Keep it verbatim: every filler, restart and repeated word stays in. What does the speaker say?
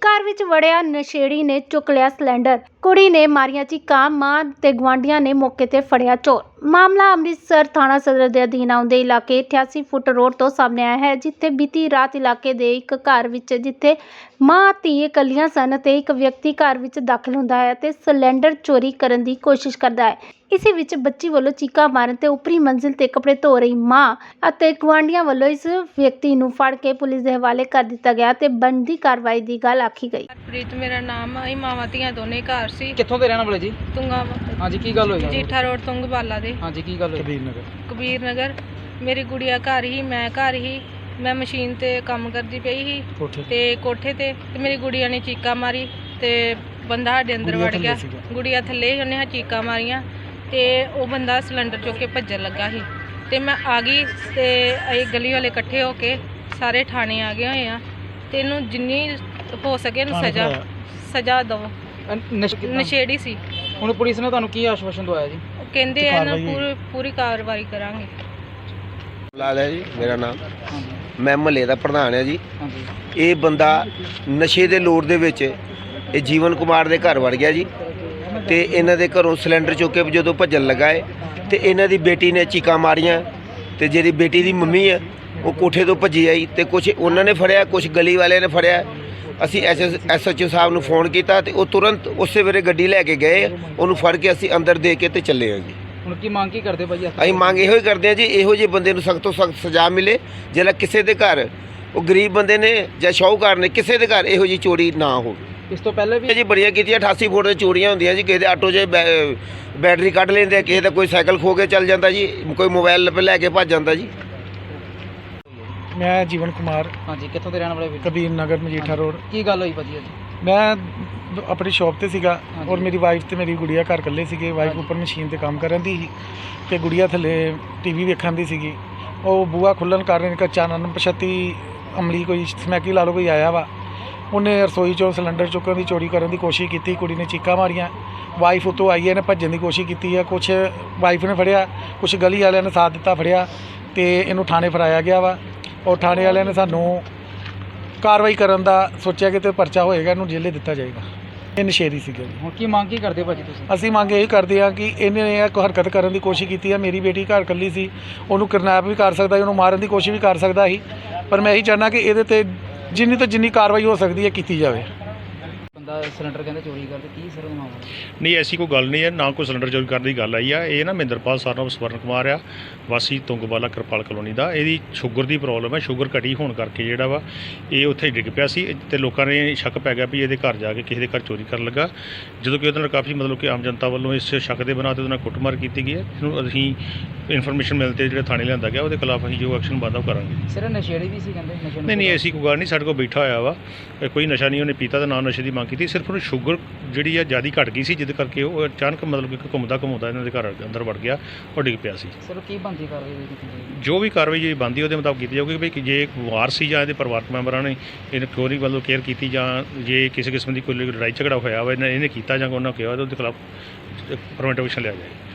घर विच वड़िया नशेड़ी ने चुक लिया सिलेंडर। कुड़ी ने मारिया चीकां, मां ते गुआंढियां ने मौके ते फड़िया चोर। मामला अमृतसर थाना सदर दे अधीन आउंदे इलाके अठासी फुट रोड तो सामने आया है, जिथे बीती रात इलाके दे एक घर विच जिथे मां धी इकल्लियां सन ते एक व्यक्ति घर विच दाखिल हुंदा है ते सिलेंडर चोरी करन दी कोशिश करदा है। इसी विच बच्ची वालों चीका मारन ते उपरी मंजिल ते कपड़े धो रही मां अते गुआंढियां वालों इस व्यक्ति नूं फड़ के पुलिस दे हवाले कर दिता गया ते बनदी कार्रवाई दी गल आखी गई। प्रीत मेरा नाम है, मावां धीआं दोने घर सी। कित्थों दे रहने वाले जी? तुंगा। हाँ जी, की गल होई? जीठा रोड तुंगवाला दे। हाँ जी, की गल होई? कबीर नगर। कबीर नगर। मेरी गुड़िया घर ही, मैं घर ही। मैं मशीन ते काम करदी पई ही ते कोठे ते ते मेरी गुड़िया ने चीका मारी ते बंदा साडे अंदर वड़ गया। गुड़िया थल्ले ही, उन्हें चीका मारियां ते वो बंदा सिलेंडर चुक के भज्जन लगा ही ते मैं आ गई ते असीं गली वाले इकट्ठे होके सारे थाने आ गए होए आ ते इनू जिन्नी हो सके इनू सजा सजा दो। नशेड़ी सी। ਹੁਣ ਪੁਲਿਸ ਨੇ ਤੁਹਾਨੂੰ ਕੀ ਆਸ਼ਵਾਸਨ ਦਵਾਇਆ ਜੀ? ਕਹਿੰਦੇ ਆ ਨਾ ਪੂਰੀ ਪੂਰੀ ਕਾਰਵਾਈ ਕਰਾਂਗੇ। ਲਾਲ है जी मेरा नाम, मैं महल्ले का प्रधान है जी। ये बंदा नशे के लोड़ दे विच ये जीवन कुमार के घर वड़ गया जी ते इन्हां दे घरों सिलेंडर चुक के जो भजन लगा है ते इन्हां दी बेटी ने चीकां मारियां ते जिहड़ी बेटी दी मम्मी है वो कोठे तो भजी आई ते कुछ उन्होंने फड़िया, कुछ गली वाले ने फड़िया। असी एस एस एच ओ साहब नूं फोन किया तो वो तुरंत उस वेले गड्डी लैके गए, उन्होंने फड़ के असी अंदर दे के ते चले हैं जी। ਹੁਣ ਕੀ ਮੰਗ ਕੀ ਕਰਦੇ ਭਾਜੀ? ਅਸੀਂ ਮੰਗ ਇਹੋ ਹੀ ਕਰਦੇ ਹਾਂ ਜੀ, ਇਹੋ ਜਿਹੇ ਬੰਦੇ ਨੂੰ ਸਖਤ ਤੋਂ ਸਖਤ ਸਜ਼ਾ ਮਿਲੇ। ਜਿਹੜਾ ਕਿਸੇ ਦੇ ਘਰ ਉਹ ਗਰੀਬ ਬੰਦੇ ਨੇ ਜਾਂ ਸ਼ਾਹੂਕਾਰ ਨੇ ਕਿਸੇ ਦੇ ਘਰ ਇਹੋ ਜਿਹੀ ਚੋਰੀ ਨਾ ਹੋਵੇ। ਇਸ ਤੋਂ ਪਹਿਲੇ ਵੀ ਜੀ ਬੜੀਆਂ ਕੀਤੀਆਂ। ਅਠਾਸੀ ਫੁੱਟ ਦੀਆਂ ਚੋਰੀਆਂ ਹੁੰਦੀਆਂ ਜੀ। ਕਿਸੇ ਦੇ ਆਟੋ 'ਚ ਬੈਟਰੀ ਕੱਢ ਲੈਂਦੇ, ਕਿਸੇ ਦਾ ਕੋਈ ਸਾਈਕਲ ਖੋ ਕੇ ਚੱਲ ਜਾਂਦਾ ਜੀ, ਕੋਈ ਮੋਬਾਈਲ ਲੈ ਕੇ ਭੱਜ ਜਾਂਦਾ ਜੀ। मैं जीवन कुमार। हाँ जी, कितों के रहने वाले? कबीर नगर मजीठा रोड। की गल हुई भाजी? मैं अपनी शॉप ते सीगा और मेरी वाइफ ते मेरी गुड़िया घर कल्ले सीगे। वाइफ ऊपर मशीन ते काम करन दी सी ते गुड़िया थल्ले टीवी वेखण दी सीगी। वो बूआ खुल्लन कारण अचानक पछती अमली कोई समैकी ला लो कोई आया वा, उन्हें रसोई चों सिलेंडर चुकन की चोरी करने की कोशिश की। कुड़ी ने चीका मारियां, वाइफ उतों आई है, इन्हें भजन की कोशिश की है। कुछ वाइफ ने फड़िया, कुछ गली वाले ने साथ दिता फड़िया तो इनू थाने फड़ाया गया वा और थाने वाले ने सानू कार्रवाई करन दा सोचा कि तो परचा होएगा, इनू जेले दिता जाएगा। ये नशेरी सीगे जी। ਹੁਣ ਕੀ ਮੰਗ ਕੀ ਕਰਦੇ ਭਾਜੀ ਤੁਸੀਂ? ਅਸੀਂ ਮੰਗ ਇਹੀ ਕਰਦੇ ਹਾਂ ਕਿ ਇਹਨੇ ਇਹ ਕੋਈ ਹਰਕਤ ਕਰਨ ਦੀ ਕੋਸ਼ਿਸ਼ ਕੀਤੀ ਹੈ। ਮੇਰੀ ਬੇਟੀ ਘਰ ਇਕੱਲੀ ਸੀ, ਉਹਨੂੰ ਕਿਡਨੈਪ ਵੀ ਕਰ ਸਕਦਾ ਸੀ, ਉਹਨੂੰ ਮਾਰਨ ਦੀ ਕੋਸ਼ਿਸ਼ ਵੀ ਕਰ ਸਕਦਾ ਸੀ, ਪਰ ਮੈਂ ਇਹੀ ਚਾਹੁੰਦਾ ਕਿ ਇਹਦੇ ਤੇ ਜਿੰਨੀ ਤੋਂ ਜਿੰਨੀ ਕਾਰਵਾਈ ਹੋ ਸਕਦੀ ਹੈ ਕੀਤੀ ਜਾਵੇ। ਬੰਦਾ ਸਿਲੰਡਰ ਕਹਿੰਦੇ ਚੋਰੀ ਕਰਦੇ, ਕੀ ਸਰ ਉਹਦਾ ਮਾਮਲਾ? ਨਹੀਂ, ਐਸੀ ਕੋਈ ਗੱਲ ਨਹੀਂ ਹੈ, ਨਾ ਕੋਈ ਸਿਲੰਡਰ ਚੋਰੀ ਕਰਨ ਦੀ ਗੱਲ ਆਈ ਆ। ਇਹ ਨਾ ਮਹਿੰਦਰਪਾਲ ਸਰਨਾਮ ਸਵਰਨ ਕੁਮਾਰ ਆ, ਵਾਸੀ ਤੁੰਗਵਾਲਾ ਕਿਰਪਾਲ ਕਲੋਨੀ ਦਾ। ਇਹਦੀ ਸ਼ੂਗਰ ਦੀ ਪ੍ਰੋਬਲਮ ਹੈ। ਸ਼ੂਗਰ ਘਟੀ ਹੋਣ ਕਰਕੇ ਜਿਹੜਾ ਵਾ ਇਹ ਉੱਥੇ ਡਿੱਗ ਪਿਆ ਸੀ ਤੇ ਲੋਕਾਂ ਨੇ ਸ਼ੱਕ ਪੈ ਗਿਆ ਵੀ ਇਹਦੇ ਘਰ ਜਾ ਕੇ ਕਿਸੇ ਦੇ ਘਰ ਚੋਰੀ ਕਰਨ ਲੱਗਾ। ਜਦੋਂ ਕਿ ਉਹਦੇ ਨਾਲ ਕਾਫੀ ਮਤਲਬ ਕਿ ਆਮ ਜਨਤਾ ਵੱਲੋਂ ਇਸ ਸ਼ੱਕ ਦੇ ਬਣਾ 'ਤੇ ਉਹਦੇ ਨਾਲ ਕੁੱਟਮਾਰ ਕੀਤੀ ਗਈ ਹੈ। ਇਹਨੂੰ ਅਸੀਂ ਇਨਫੋਰਮੇਸ਼ਨ ਮਿਲ 'ਤੇ ਜਿਹੜੇ ਥਾਣੇ ਲਿਆਂਦਾ ਗਿਆ ਉਹਦੇ ਖਿਲਾਫ ਅਸੀਂ ਜੋ ਐਕਸ਼ਨ ਬਣਦਾ ਉਹ ਕਰਾਂਗੇ। ਸਿਰ ਨਸ਼ੇੜੀ ਵੀ ਸੀ ਕਹਿੰਦੇ? ਨਹੀਂ ਨਹੀਂ, ਐਸੀ ਕੋਈ ਗੱਲ ਨਹੀਂ। ਸਾਡੇ ਕੋਲ ਬੈਠਾ ਹੋਇਆ ਵਾ, ਕੋਈ ਨਸ਼ਾ ਨਹੀਂ ਉਹਨੇ ਪੀਤਾ ਤੇ ਨਾ ਨਸ਼ੇ ਦੀ ਮੰਗ ਕੀਤੀ। ਸਿਰਫ ਉਹਨੂੰ ਸ਼ੂਗਰ ਜਿਹੜੀ ਆ ਜ਼ਿਆਦਾ ਘਟ ਗਈ ਸੀ, ਜਿਹਦੇ ਕਰਕੇ ਉਹ ਅਚਾਨਕ ਮਤਲਬ ਕਿ ਘੁੰਮਦਾ ਘੁੰਮਦਾ ਇਹਨਾਂ ਦੇ ਘਰ ਅੰਦਰ ਵੜ ਗਿਆ, ਉਹ ਡਿੱਗ ਪਿਆ ਸੀ। ਸਰ ਕੀ ਬਣਦੀ ਕਾਰਵਾਈ? ਜੋ ਵੀ ਕਾਰਵਾਈ ਜਿਹੜੀ ਬਣਦੀ ਉਹਦੇ ਮੁਤਾਬਕ ਕੀਤੀ ਜਾਊਗੀ ਵੀ ਜੇ ਇੱਕ ਵਾਰ ਸੀ ਜਾਂ ਇਹਦੇ ਪਰਿਵਾਰਕ ਮੈਂਬਰਾਂ ਨੇ ਇਹਨੂੰ ਚੋਰੀ ਵੱਲੋਂ ਕੇਅਰ ਕੀਤੀ ਜਾਂ ਜੇ ਕਿਸੇ ਕਿਸਮ ਦੀ ਕੋਈ ਲੜਾਈ ਝਗੜਾ ਹੋਇਆ ਵਾ ਇਹਨੇ ਇਹਨੇ ਕੀਤਾ ਜਾਂ ਉਹਨਾਂ ਕਿਹਾ ਉਹਦੇ ਖਿਲਾਫ ਪ੍ਰੀਵੈਂਟਿਵ ਐਕਸ਼ਨ ਲਿਆ ਜਾਏ।